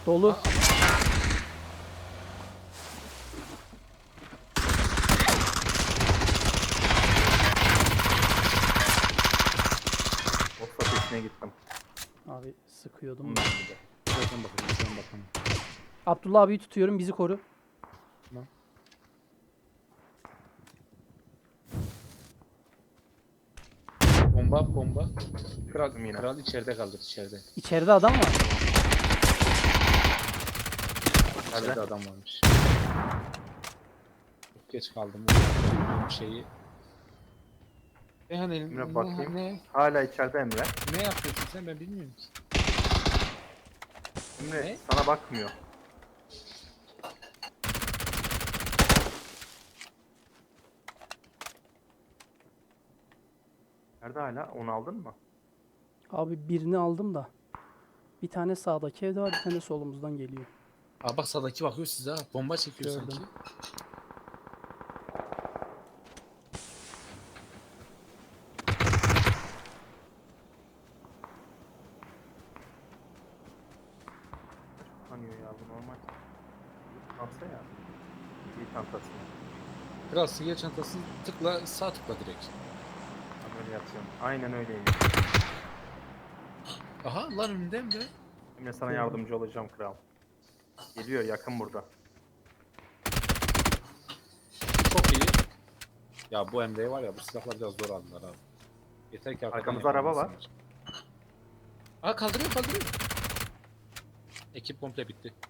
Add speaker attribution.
Speaker 1: Dolu.
Speaker 2: Osla peşine gittim.
Speaker 1: Abi sıkıyordum.
Speaker 2: Bundan bir de.
Speaker 3: Şuradan bakacağım, şuradan bakalım.
Speaker 1: Abdullah abiyi tutuyorum, bizi koru.
Speaker 3: Tamam. Bomba. Kral,
Speaker 2: Yine.
Speaker 3: kral içeride kaldı, içeride.
Speaker 1: İçeride adam var.
Speaker 3: İçeride
Speaker 2: Nerede?
Speaker 3: adam varmış. Çok geç kaldım. Bu şeyi. Hani
Speaker 2: Emre bakayım.
Speaker 3: ne
Speaker 2: Hala içeride Emre.
Speaker 3: ne yapıyorsun sen, ben bilmiyorum ki.
Speaker 2: Emre
Speaker 3: Ne?
Speaker 2: sana bakmıyor. Nerede hala? Onu aldın mı?
Speaker 1: Abi birini aldım da. Bir tane sağdaki evde var, bir tane solumuzdan geliyor.
Speaker 3: Aa bak sağdaki bakıyor size ha. Bomba çekiyor
Speaker 1: Gördüm.
Speaker 3: sanki.
Speaker 2: Tanıyor ya bu normal. Çanta ya. Bir çantası.
Speaker 3: Kral sigar çantasını tıkla, sağ tıkla direkt.
Speaker 2: Ben böyle yapıyorum. Aynen öyleyim.
Speaker 3: Aha lan önünden be.
Speaker 2: Emre sana yardımcı olacağım kral. Geliyor yakın burada.
Speaker 3: Çok iyi. Ya bu Emre'yi var ya, bu silahlar biraz zor aldılar abi. Yeter ki arkadan
Speaker 2: Arkamızda araba var.
Speaker 3: yakalamasınlar. Aa kaldırıyor. Ekip komple bitti.